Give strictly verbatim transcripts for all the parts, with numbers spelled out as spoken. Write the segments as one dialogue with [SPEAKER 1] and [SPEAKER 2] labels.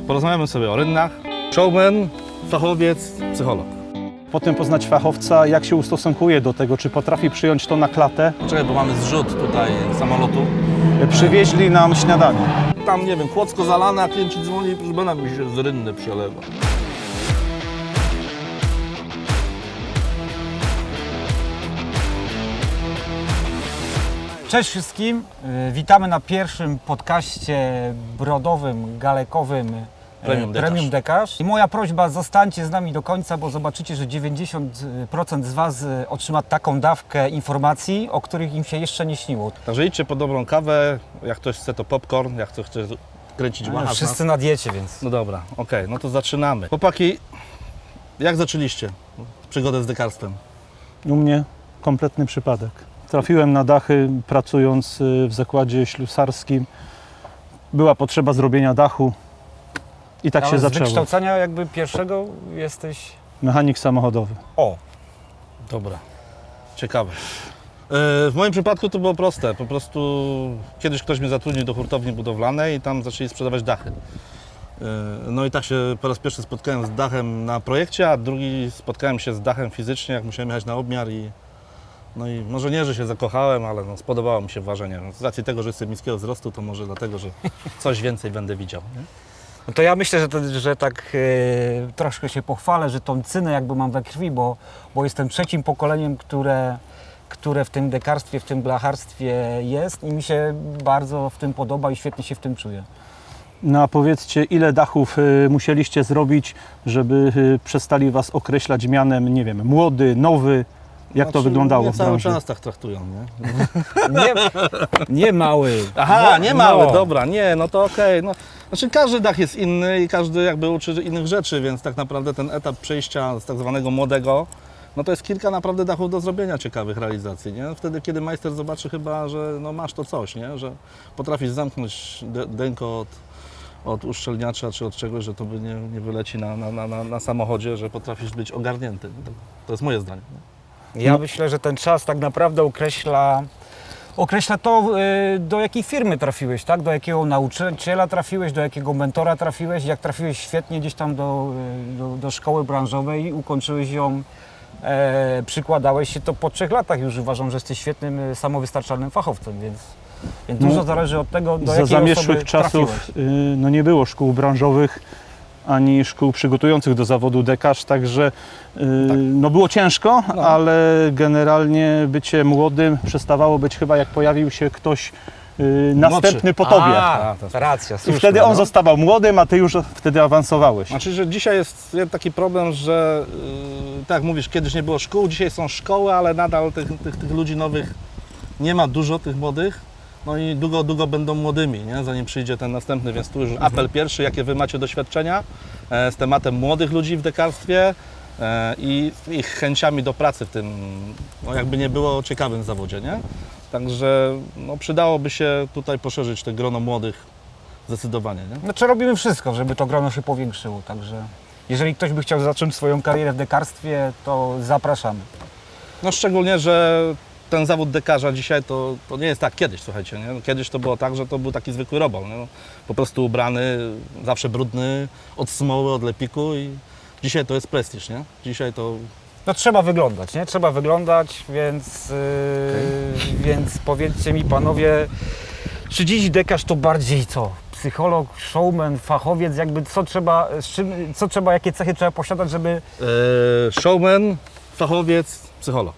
[SPEAKER 1] Porozmawiamy sobie o rynnach. Showman, fachowiec, psycholog.
[SPEAKER 2] Potem poznać fachowca, jak się ustosunkuje do tego, czy potrafi przyjąć to na klatę.
[SPEAKER 1] Czekaj, bo mamy zrzut tutaj samolotu.
[SPEAKER 2] Przywieźli nam śniadanie.
[SPEAKER 1] Tam, nie wiem, kłodzko zalane, a klient ci dzwoni, proszę pana, mi się z rynny przelewa.
[SPEAKER 3] Cześć wszystkim, Y, witamy na pierwszym podcaście brodowym, galekowym y,
[SPEAKER 1] Premium Dekarz.
[SPEAKER 3] Premium Dekarz. I moja prośba, zostańcie z nami do końca, bo zobaczycie, że dziewięćdziesiąt procent z Was y, otrzyma taką dawkę informacji, o których im się jeszcze nie śniło.
[SPEAKER 1] Także idźcie po dobrą kawę, jak ktoś chce to popcorn, jak ktoś chce kręcić
[SPEAKER 3] No,
[SPEAKER 1] machasz
[SPEAKER 3] wszyscy
[SPEAKER 1] nas.
[SPEAKER 3] na diecie, więc...
[SPEAKER 1] No dobra, okej, no to zaczynamy. Chłopaki, jak zaczęliście przygodę z dekarstwem?
[SPEAKER 2] U mnie kompletny przypadek. Trafiłem na dachy, pracując w zakładzie ślusarskim. Była potrzeba zrobienia dachu i tak
[SPEAKER 3] Ale
[SPEAKER 2] się
[SPEAKER 3] z
[SPEAKER 2] zaczęło.
[SPEAKER 3] wykształcenia jakby pierwszego jesteś...
[SPEAKER 2] Mechanik samochodowy.
[SPEAKER 3] O!
[SPEAKER 1] Dobra, ciekawe. W moim przypadku to było proste. Po prostu kiedyś ktoś mnie zatrudnił do hurtowni budowlanej i tam zaczęli sprzedawać dachy. No i tak się po raz pierwszy spotkałem z dachem na projekcie, a drugi spotkałem się z dachem fizycznie, jak musiałem jechać na obmiar i no i może nie, że się zakochałem, ale no, spodobało mi się ważenie. Z racji tego, że jestem niskiego wzrostu, to może dlatego, że coś więcej będę widział. Nie?
[SPEAKER 3] No to ja myślę, że, to, że tak e, troszkę się pochwalę, że tą cynę jakby mam we krwi, bo, bo jestem trzecim pokoleniem, które, które w tym dekarstwie, w tym blacharstwie jest i mi się bardzo w tym podoba i świetnie się w tym czuję.
[SPEAKER 2] No a powiedzcie, ile dachów y, musieliście zrobić, żeby y, przestali Was określać mianem, nie wiem, młody, nowy? Jak to
[SPEAKER 1] Znaczy,
[SPEAKER 2] wyglądało
[SPEAKER 1] mnie
[SPEAKER 2] w
[SPEAKER 1] cały
[SPEAKER 2] branży?
[SPEAKER 1] czas tak traktują, nie?
[SPEAKER 3] Nie, nie mały.
[SPEAKER 1] Aha,
[SPEAKER 3] No,
[SPEAKER 1] nie mały,
[SPEAKER 3] no.
[SPEAKER 1] dobra, nie, no to okej. No, znaczy każdy dach jest inny i każdy jakby uczy innych rzeczy, więc tak naprawdę ten etap przejścia z tak zwanego młodego, no to jest kilka naprawdę dachów do zrobienia ciekawych realizacji, nie? Wtedy, kiedy majster zobaczy chyba, że no masz to coś, nie? Że potrafisz zamknąć de- denko od, od uszczelniacza czy od czegoś, że to by nie, nie wyleci na, na, na, na, na samochodzie, że potrafisz być ogarnięty. To, to jest moje zdanie. Nie?
[SPEAKER 3] Ja myślę, że ten czas tak naprawdę określa, określa to, y, do jakiej firmy trafiłeś, tak? Do jakiego nauczyciela trafiłeś, do jakiego mentora trafiłeś. Jak trafiłeś świetnie gdzieś tam do, y, do, do szkoły branżowej, ukończyłeś ją, e, przykładałeś się, to po trzech latach już uważam, że jesteś świetnym, y, samowystarczalnym fachowcem, więc, więc
[SPEAKER 2] No,
[SPEAKER 3] dużo zależy od tego, do
[SPEAKER 2] Za
[SPEAKER 3] jakiej osoby
[SPEAKER 2] zamieszłych czasów
[SPEAKER 3] trafiłeś.
[SPEAKER 2] y, no nie było szkół branżowych ani szkół przygotujących do zawodu dekarz, także y, no było ciężko,
[SPEAKER 1] No.
[SPEAKER 2] ale generalnie bycie młodym przestawało być chyba, jak pojawił się ktoś y, następny po tobie.
[SPEAKER 3] A,
[SPEAKER 1] A, to jest-
[SPEAKER 3] racja,
[SPEAKER 2] I
[SPEAKER 3] słuszne,
[SPEAKER 2] wtedy on
[SPEAKER 3] no.
[SPEAKER 2] zostawał młodym, a ty już wtedy awansowałeś.
[SPEAKER 1] Znaczy, że dzisiaj jest taki problem, że yy, tak jak mówisz, kiedyś nie było szkół, dzisiaj są szkoły, ale nadal tych, tych, tych ludzi nowych nie ma dużo, tych młodych. No i długo, długo będą młodymi, nie? Zanim przyjdzie ten następny, więc tu już apel pierwszy, jakie Wy macie doświadczenia e, z tematem młodych ludzi w dekarstwie e, i ich chęciami do pracy w tym, no jakby nie było, ciekawym zawodzie, nie? Także no, przydałoby się tutaj poszerzyć te grono młodych zdecydowanie, nie?
[SPEAKER 3] Znaczy robimy wszystko, żeby to grono się powiększyło, także jeżeli ktoś by chciał zacząć swoją karierę w dekarstwie, to zapraszamy.
[SPEAKER 1] No szczególnie, że ten zawód dekarza dzisiaj to, to nie jest tak kiedyś, słuchajcie, nie? Kiedyś to było tak, że to był taki zwykły robol, nie? No, po prostu ubrany, zawsze brudny, od smoły, od lepiku i dzisiaj to jest prestiż, nie? Dzisiaj to...
[SPEAKER 3] No trzeba wyglądać, nie? Trzeba wyglądać, więc, yy, więc powiedzcie mi panowie, czy dziś dekarz to bardziej co? Psycholog, showman, fachowiec, jakby co trzeba, z czym, co trzeba, jakie cechy trzeba posiadać, żeby...
[SPEAKER 1] E, showman, fachowiec, psycholog.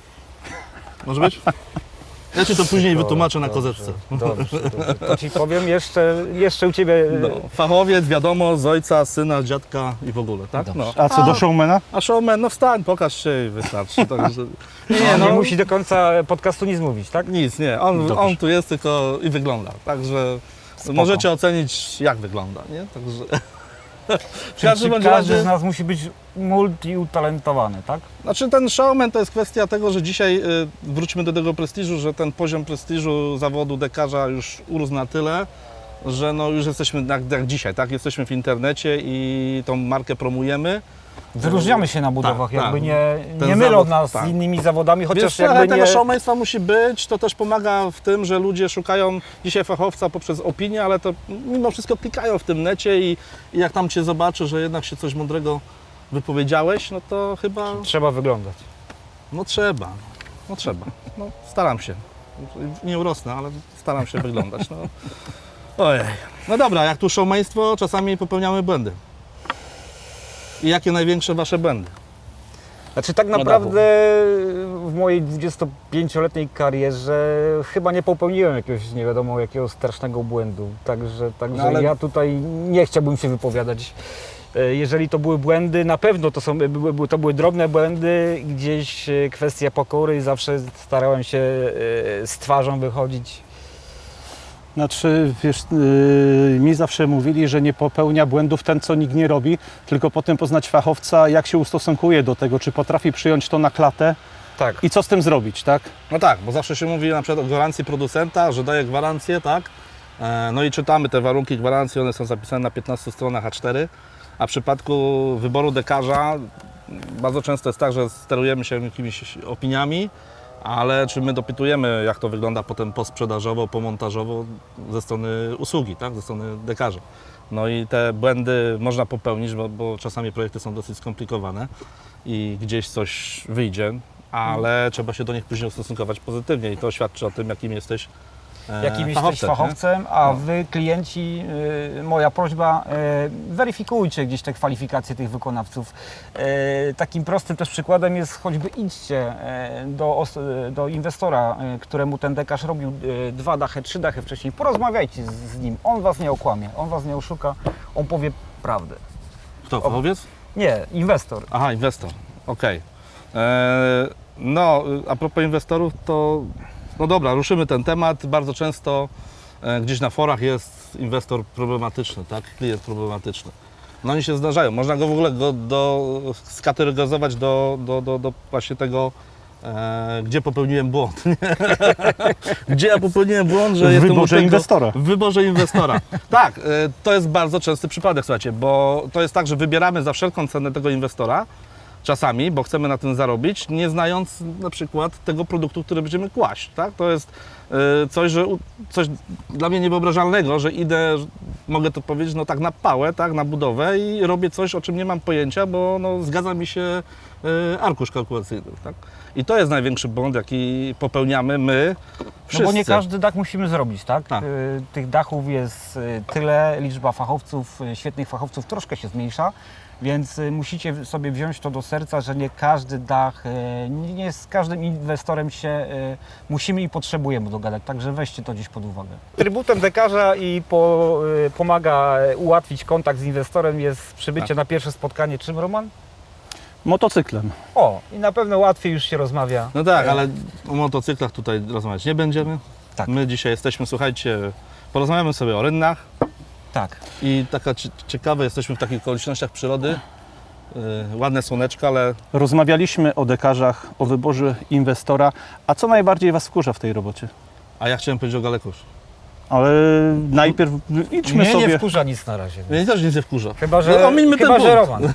[SPEAKER 1] Może być? Ja Ci to później wytłumaczę na kozetce.
[SPEAKER 3] Dobrze, dobrze. To Ci powiem jeszcze, jeszcze u Ciebie...
[SPEAKER 1] No, fachowiec, wiadomo, z ojca, syna, dziadka i w ogóle, tak? No.
[SPEAKER 2] A co do showmana?
[SPEAKER 1] A showman, no wstań, pokaż się i wystarczy. Także...
[SPEAKER 3] Nie, nie, nie musi do końca podcastu nic mówić, tak?
[SPEAKER 1] Nic, nie. On,
[SPEAKER 3] Dobrze.
[SPEAKER 1] on tu jest tylko i wygląda. Także
[SPEAKER 3] Spoko.
[SPEAKER 1] możecie ocenić, jak wygląda, nie? Także... W
[SPEAKER 3] Czyli
[SPEAKER 1] każdym
[SPEAKER 3] czy
[SPEAKER 1] bądź
[SPEAKER 3] każdy
[SPEAKER 1] razie,
[SPEAKER 3] z nas musi być multiutalentowany, tak?
[SPEAKER 1] znaczy ten showman to jest kwestia tego, że dzisiaj y, wróćmy do tego prestiżu, że ten poziom prestiżu zawodu dekarza już urósł na tyle, że no już jesteśmy jak, jak dzisiaj, tak? Jesteśmy w internecie i tą markę promujemy.
[SPEAKER 3] Wyróżniamy się na budowach,
[SPEAKER 1] Tak,
[SPEAKER 3] jakby
[SPEAKER 1] tak.
[SPEAKER 3] nie,
[SPEAKER 1] Ten
[SPEAKER 3] nie mylą
[SPEAKER 1] zawód,
[SPEAKER 3] nas
[SPEAKER 1] tak.
[SPEAKER 3] z innymi zawodami, chociaż
[SPEAKER 1] Więc trochę
[SPEAKER 3] jakby
[SPEAKER 1] tego
[SPEAKER 3] nie...
[SPEAKER 1] showmanstwa musi być, to też pomaga w tym, że ludzie szukają dzisiaj fachowca poprzez opinię, ale to mimo wszystko klikają w tym necie i, i jak tam Cię zobaczy, że jednak się coś mądrego wypowiedziałeś, no to chyba,
[SPEAKER 3] Trzeba wyglądać.
[SPEAKER 1] no trzeba, no trzeba, no staram się, nie urosnę, ale staram się wyglądać, no. Ojej, no dobra, jak tu showmanstwo, czasami popełniamy błędy. I jakie największe Wasze błędy?
[SPEAKER 3] Znaczy tak
[SPEAKER 1] No
[SPEAKER 3] naprawdę w mojej dwudziestopięcioletniej karierze chyba nie popełniłem jakiegoś nie wiadomo jakiego strasznego błędu. Także, także
[SPEAKER 1] No ale-
[SPEAKER 3] ja tutaj nie chciałbym się wypowiadać. E, Jeżeli to były błędy, na pewno to, są, były, były- to były drobne błędy, gdzieś e, kwestia pokory, zawsze starałem się e, z twarzą wychodzić.
[SPEAKER 2] Znaczy, wiesz, yy, mi zawsze mówili, że nie popełnia błędów ten, co nikt nie robi, tylko potem poznać fachowca, jak się ustosunkuje do tego, czy potrafi przyjąć to na klatę
[SPEAKER 3] Tak.
[SPEAKER 2] i co z tym zrobić, tak?
[SPEAKER 1] No tak, bo zawsze się mówi na przykład o gwarancji producenta, że daje gwarancję, tak? E, No i czytamy te warunki gwarancji, one są zapisane na piętnastu stronach A cztery, a w przypadku wyboru dekarza bardzo często jest tak, że sterujemy się jakimiś opiniami, ale czy my dopytujemy, jak to wygląda potem posprzedażowo, pomontażowo ze strony usługi, tak? Ze strony dekarza. No i te błędy można popełnić, bo, bo czasami projekty są dosyć skomplikowane i gdzieś coś wyjdzie, ale trzeba się do nich później ustosunkować pozytywnie i to świadczy o tym, jakim jesteś e,
[SPEAKER 3] Jakim jesteś
[SPEAKER 1] fachowcem, nie?
[SPEAKER 3] fachowcem, a
[SPEAKER 1] No.
[SPEAKER 3] wy klienci, y, moja prośba, y, weryfikujcie gdzieś te kwalifikacje tych wykonawców. Y, takim prostym też przykładem jest choćby idźcie y, do, os- y, do inwestora, y, któremu ten dekarz robił y, dwa dachy, trzy dachy wcześniej. Porozmawiajcie z, z nim, on was nie okłamie, on was nie oszuka, on powie prawdę.
[SPEAKER 1] Kto, fachowiec?
[SPEAKER 3] Nie, inwestor.
[SPEAKER 1] Aha, inwestor, okej. E, No, a propos inwestorów, to no dobra, ruszymy ten temat. Bardzo często e, gdzieś na forach jest inwestor problematyczny, tak? Klient problematyczny. No oni się zdarzają. Można go w ogóle go do, skategoryzować do, do, do, do właśnie tego, e, gdzie popełniłem błąd. nie? Gdzie ja popełniłem błąd, że
[SPEAKER 2] W
[SPEAKER 1] jestem u
[SPEAKER 2] wyborze
[SPEAKER 1] tego-
[SPEAKER 2] inwestora.
[SPEAKER 1] W wyborze inwestora. Tak, e, to jest bardzo częsty przypadek, słuchajcie, bo to jest tak, że wybieramy za wszelką cenę tego inwestora, czasami, bo chcemy na tym zarobić, nie znając na przykład tego produktu, który będziemy kłaść, tak? To jest y, coś, że u- coś dla mnie niewyobrażalnego, że idę, że- mogę to powiedzieć, no tak na pałę, tak, na budowę i robię coś, o czym nie mam pojęcia, bo no, zgadza mi się y, arkusz kalkulacyjny, tak? I to jest największy błąd, jaki popełniamy my wszyscy.
[SPEAKER 3] No bo nie każdy dach musimy zrobić, tak?
[SPEAKER 1] Tak.
[SPEAKER 3] Y, Tych dachów jest y, tyle, liczba fachowców, y, świetnych fachowców troszkę się zmniejsza, więc y, musicie sobie wziąć to do serca, że nie każdy dach, y, nie nie z każdym inwestorem się y, musimy i potrzebujemy dogadać, także weźcie to gdzieś pod uwagę. Trybutem dekarza i po, y, pomaga ułatwić kontakt z inwestorem jest przybycie
[SPEAKER 1] Tak.
[SPEAKER 3] na pierwsze spotkanie. Czym, Roman?
[SPEAKER 2] Motocyklem.
[SPEAKER 3] O, i na pewno łatwiej już się rozmawia.
[SPEAKER 1] No tak, ale o motocyklach tutaj rozmawiać nie będziemy.
[SPEAKER 3] Tak.
[SPEAKER 1] My dzisiaj jesteśmy, słuchajcie, porozmawiamy sobie o rynnach.
[SPEAKER 3] Tak.
[SPEAKER 1] I taka cie- ciekawe, jesteśmy w takich okolicznościach przyrody. Yy, ładne słoneczko, ale
[SPEAKER 2] Rozmawialiśmy o dekarzach, o wyborze inwestora, a co najbardziej Was wkurza w tej robocie?
[SPEAKER 1] a ja chciałem powiedzieć o Galekus.
[SPEAKER 2] Ale najpierw idźmy
[SPEAKER 3] Mnie
[SPEAKER 2] sobie...
[SPEAKER 3] nie wkurza nic na razie.
[SPEAKER 1] Mnie też nic nie wkurza.
[SPEAKER 3] Chyba, że,
[SPEAKER 1] No, omińmy ten
[SPEAKER 3] chyba, że
[SPEAKER 1] punkt.
[SPEAKER 3] Roman.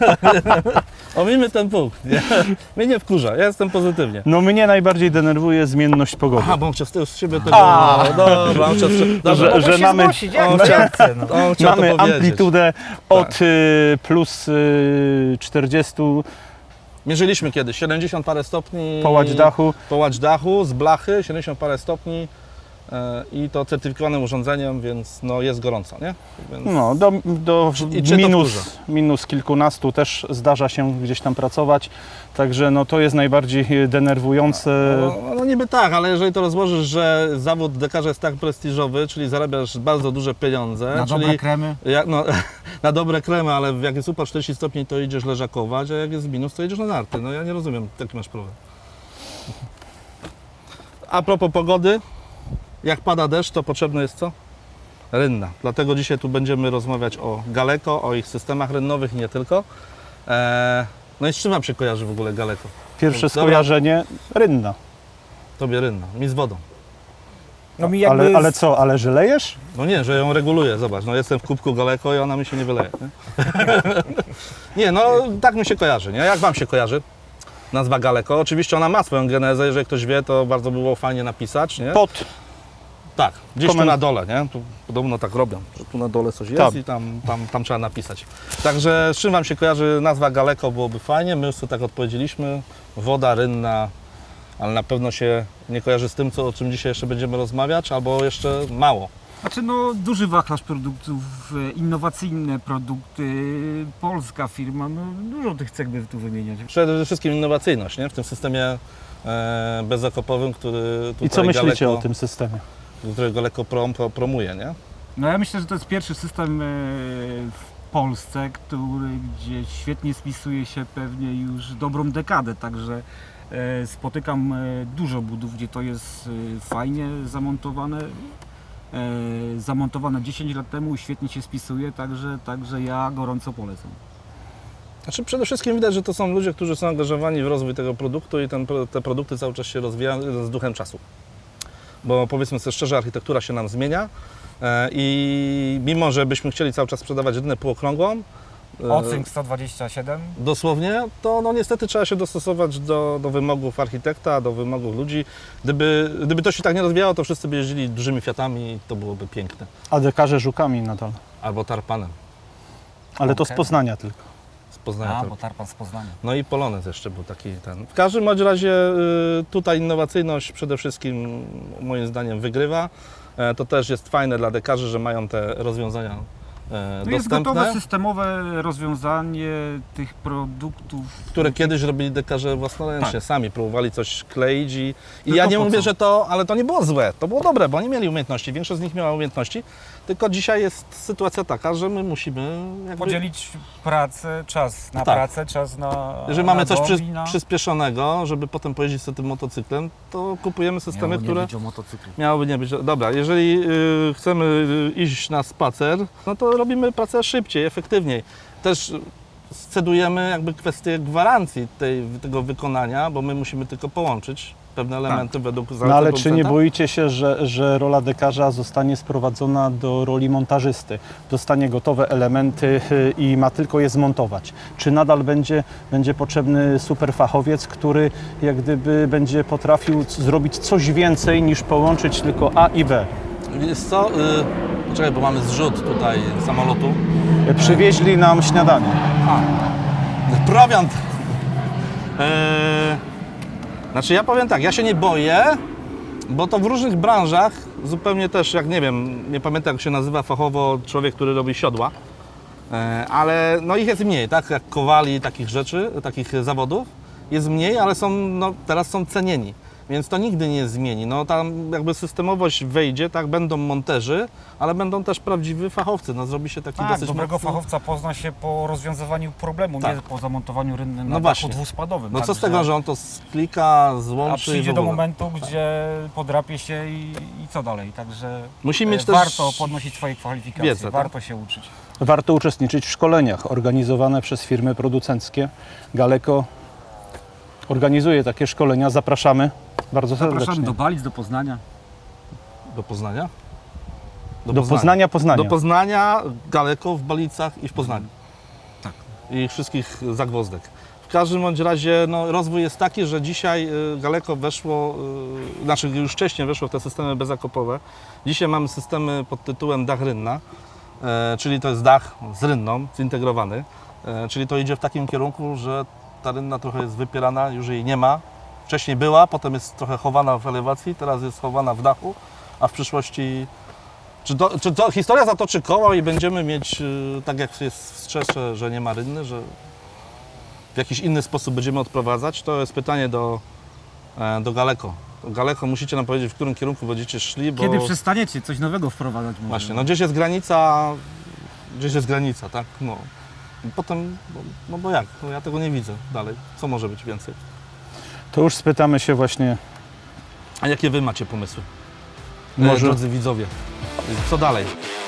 [SPEAKER 1] Omińmy ten punkt. Nie? Mnie nie wkurza, ja jestem pozytywnie.
[SPEAKER 2] No mnie najbardziej denerwuje zmienność pogody.
[SPEAKER 1] Aha, bo on chciał z tyłu z siebie tego...
[SPEAKER 2] A.
[SPEAKER 1] No, dobra, on chciał... z- Dobra,
[SPEAKER 2] Że-
[SPEAKER 1] on,
[SPEAKER 2] że
[SPEAKER 3] Mogę się
[SPEAKER 2] mamy-
[SPEAKER 3] znosić, jak
[SPEAKER 1] on
[SPEAKER 3] to
[SPEAKER 1] chciał-
[SPEAKER 3] ja chcę, no.
[SPEAKER 1] on chciał
[SPEAKER 2] Mamy
[SPEAKER 1] to powiedzieć.
[SPEAKER 2] amplitudę od y, plus y, czterdzieści
[SPEAKER 1] Mierzyliśmy kiedyś, siedemdziesiąt parę stopni.
[SPEAKER 2] połać dachu.
[SPEAKER 1] Połać dachu z blachy, siedemdziesiąt parę stopni. e, I to certyfikowanym urządzeniem, więc no jest gorąco, nie? Więc...
[SPEAKER 2] No, do, do
[SPEAKER 1] I cię to
[SPEAKER 2] minus,
[SPEAKER 1] wkurza?
[SPEAKER 2] minus kilkunastu też zdarza się gdzieś tam pracować. Także no, to jest najbardziej denerwujące.
[SPEAKER 1] No, no niby tak, ale jeżeli to rozłożysz, że zawód dekarza jest tak prestiżowy, czyli zarabiasz bardzo duże pieniądze,
[SPEAKER 3] Na
[SPEAKER 1] czyli
[SPEAKER 3] dobre kremy.
[SPEAKER 1] jak, no, na dobre kremy, ale jak jest upał czterdzieści stopni, to idziesz leżakować, a jak jest minus, to idziesz na narty. No ja nie rozumiem, jaki masz problem. A propos pogody, jak pada deszcz, to potrzebne jest co? Rynna. Dlatego dzisiaj tu będziemy rozmawiać o Galeko, o ich systemach rynnowych i nie tylko. Eee, no i z czym Wam się kojarzy w ogóle Galeko?
[SPEAKER 2] Pierwsze
[SPEAKER 1] Dobra.
[SPEAKER 2] skojarzenie rynna.
[SPEAKER 1] Tobie rynna, mi z wodą.
[SPEAKER 3] No mi jakby...
[SPEAKER 2] Ale, ale co, ale że lejesz?
[SPEAKER 1] No nie, że ją reguluje, zobacz, no jestem w kubku Galeko i ona mi się nie wyleje. Nie, nie no tak mi się kojarzy, nie? Jak wam się kojarzy nazwa Galeko? Oczywiście ona ma swoją genezę, jeżeli ktoś wie, to bardzo by było fajnie napisać, nie?
[SPEAKER 2] Pod.
[SPEAKER 1] Tak, gdzieś
[SPEAKER 2] Komen-
[SPEAKER 1] tu na dole, nie? Tu podobno tak robią, że tu na dole coś jest
[SPEAKER 2] Tam.
[SPEAKER 1] i tam, tam, tam trzeba napisać. Także z czym wam się kojarzy nazwa Galeko, byłoby fajnie, my już sobie tak odpowiedzieliśmy, woda rynna, ale na pewno się nie kojarzy z tym, co, o czym dzisiaj jeszcze będziemy rozmawiać, albo jeszcze mało.
[SPEAKER 3] Znaczy no duży wachlarz produktów, e, innowacyjne produkty, polska firma, no dużo tych cech by tu wymieniać.
[SPEAKER 1] Przede wszystkim innowacyjność, nie? W tym systemie e, bezzakopowym, który tutaj
[SPEAKER 2] I co myślicie
[SPEAKER 1] Galeko,
[SPEAKER 2] o tym systemie?
[SPEAKER 1] który Galeko prom, pro, promuje, nie?
[SPEAKER 3] No ja myślę, że to jest pierwszy system e, w Polsce, który gdzie świetnie spisuje się pewnie już dobrą dekadę, także e, spotykam e, dużo budów, gdzie to jest e, fajnie zamontowane. E, zamontowane dziesięć lat temu, świetnie się spisuje, także, także ja gorąco polecam.
[SPEAKER 1] Znaczy przede wszystkim widać, że to są ludzie, którzy są angażowani w rozwój tego produktu i ten, pro- te produkty cały czas się rozwijają z duchem czasu. Bo powiedzmy sobie szczerze, architektura się nam zmienia e, i mimo, że byśmy chcieli cały czas sprzedawać rynę półokrągłą, e,
[SPEAKER 3] Ocynk sto dwadzieścia siedem.
[SPEAKER 1] dosłownie, to no niestety trzeba się dostosować do, do wymogów architekta, do wymogów ludzi. Gdyby, gdyby to się tak nie rozwijało, to wszyscy by jeździli dużymi Fiatami i to byłoby piękne.
[SPEAKER 2] A dekarze żukami nadal.
[SPEAKER 1] Albo Tarpanem
[SPEAKER 2] Ale to z
[SPEAKER 3] Okej.
[SPEAKER 2] Poznania tylko.
[SPEAKER 1] z Poznania.
[SPEAKER 3] A,
[SPEAKER 1] Tarp-
[SPEAKER 3] bo Tarpan z Poznania.
[SPEAKER 1] No i Polonez jeszcze był taki ten. W każdym bądź razie y, tutaj innowacyjność przede wszystkim moim zdaniem wygrywa. E, To też jest fajne dla dekarzy, że mają te rozwiązania e,
[SPEAKER 3] No jest gotowe
[SPEAKER 1] dostępne,
[SPEAKER 3] systemowe rozwiązanie tych produktów.
[SPEAKER 1] które kiedyś robili dekarze własnoręcznie,
[SPEAKER 3] Tak.
[SPEAKER 1] sami próbowali coś kleić i, i
[SPEAKER 3] Tylko
[SPEAKER 1] ja nie
[SPEAKER 3] po
[SPEAKER 1] mówię,
[SPEAKER 3] co?
[SPEAKER 1] że to, ale to nie było złe, to było dobre, bo oni mieli umiejętności, większość z nich miała umiejętności, tylko dzisiaj jest sytuacja taka, że my musimy jakby...
[SPEAKER 3] Podzielić pracę, czas na
[SPEAKER 1] Tak.
[SPEAKER 3] pracę, czas na.
[SPEAKER 1] Jeżeli mamy
[SPEAKER 3] na
[SPEAKER 1] coś
[SPEAKER 3] dom
[SPEAKER 1] przy,
[SPEAKER 3] i na...
[SPEAKER 1] przyspieszonego, żeby potem pojeździć sobie tym motocyklem, to kupujemy systemy,
[SPEAKER 3] Miało nie
[SPEAKER 1] które...
[SPEAKER 3] być o motocyklu.
[SPEAKER 1] Miałoby nie być. Dobra, jeżeli y, chcemy y, iść na spacer, no to robimy pracę szybciej, efektywniej. Też scedujemy jakby kwestię gwarancji tej, tego wykonania, bo my musimy tylko połączyć pewne elementy według zaleceń
[SPEAKER 2] No ale czy nie
[SPEAKER 1] producenta.
[SPEAKER 2] boicie się, że, że rola dekarza zostanie sprowadzona do roli montażysty? Dostanie gotowe elementy y, i ma tylko je zmontować. Czy nadal będzie, będzie potrzebny superfachowiec, który jak gdyby będzie potrafił c- zrobić coś więcej niż połączyć tylko A i B?
[SPEAKER 1] Wiesz co, y, poczekaj, bo mamy zrzut tutaj samolotu.
[SPEAKER 2] Y, Przywieźli nam śniadanie.
[SPEAKER 1] Prowiant! Eee, znaczy ja powiem tak, ja się nie boję, bo to w różnych branżach, zupełnie też jak nie wiem, nie pamiętam jak się nazywa fachowo człowiek, który robi siodła, eee, ale no ich jest mniej, tak, jak kowali, takich rzeczy, takich zawodów, jest mniej, ale są, no teraz są cenieni. Więc to nigdy nie zmieni. No tam jakby systemowość wejdzie, tak, będą monterzy, ale będą też prawdziwi fachowcy. No zrobi się taki
[SPEAKER 3] Tak,
[SPEAKER 1] dosyć
[SPEAKER 3] dobrego
[SPEAKER 1] mocno...
[SPEAKER 3] fachowca pozna się po rozwiązywaniu problemu,
[SPEAKER 1] Tak.
[SPEAKER 3] nie po zamontowaniu rynny na
[SPEAKER 1] No
[SPEAKER 3] dachu
[SPEAKER 1] właśnie.
[SPEAKER 3] dwuspadowym.
[SPEAKER 1] No co
[SPEAKER 3] Także-
[SPEAKER 1] z tego, że on to sklika, złączy
[SPEAKER 3] A
[SPEAKER 1] i
[SPEAKER 3] przyjdzie
[SPEAKER 1] w
[SPEAKER 3] do
[SPEAKER 1] ogóle.
[SPEAKER 3] momentu, gdzie podrapie się i, i co dalej. Także
[SPEAKER 1] Musi
[SPEAKER 3] e,
[SPEAKER 1] mieć też
[SPEAKER 3] warto podnosić swoje kwalifikacje,
[SPEAKER 1] wiedzę, tak?
[SPEAKER 3] warto się uczyć.
[SPEAKER 2] Warto uczestniczyć w szkoleniach organizowane przez firmy producenckie. Galeko organizuje takie szkolenia. Zapraszamy bardzo serdecznie.
[SPEAKER 3] Zapraszamy do Balic, do Poznania.
[SPEAKER 1] Do Poznania?
[SPEAKER 2] Do Poznania, Poznania.
[SPEAKER 1] Do Poznania, Galeko, w Balicach i w Poznaniu.
[SPEAKER 3] Tak.
[SPEAKER 1] I wszystkich zagwozdek. W każdym bądź razie no, rozwój jest taki, że dzisiaj y, Galeko weszło, y, znaczy już wcześniej weszło w te systemy bezakopowe. Dzisiaj mamy systemy pod tytułem dach rynna, e, czyli to jest dach z rynną, zintegrowany. E, czyli to idzie w takim kierunku, że ta rynna trochę jest wypierana, już jej nie ma. Wcześniej była, potem jest trochę chowana w elewacji, teraz jest chowana w dachu, a w przyszłości... Czy to, czy to historia zatoczy koło i będziemy mieć, y, tak jak jest w Strzesze, że nie ma rynny, że w jakiś inny sposób będziemy odprowadzać? To jest pytanie do, e, do Galeko. Galeko, musicie nam powiedzieć, w którym kierunku będziecie szli, bo
[SPEAKER 3] Kiedy przestaniecie coś nowego wprowadzać? Może?
[SPEAKER 1] właśnie, no gdzieś jest granica, gdzieś jest granica, tak? No. I potem, no, no bo jak? No ja tego nie widzę dalej. Co może być więcej?
[SPEAKER 2] To już spytamy się właśnie,
[SPEAKER 1] A jakie wy macie pomysły? E,
[SPEAKER 2] może
[SPEAKER 1] Drodzy widzowie, co dalej?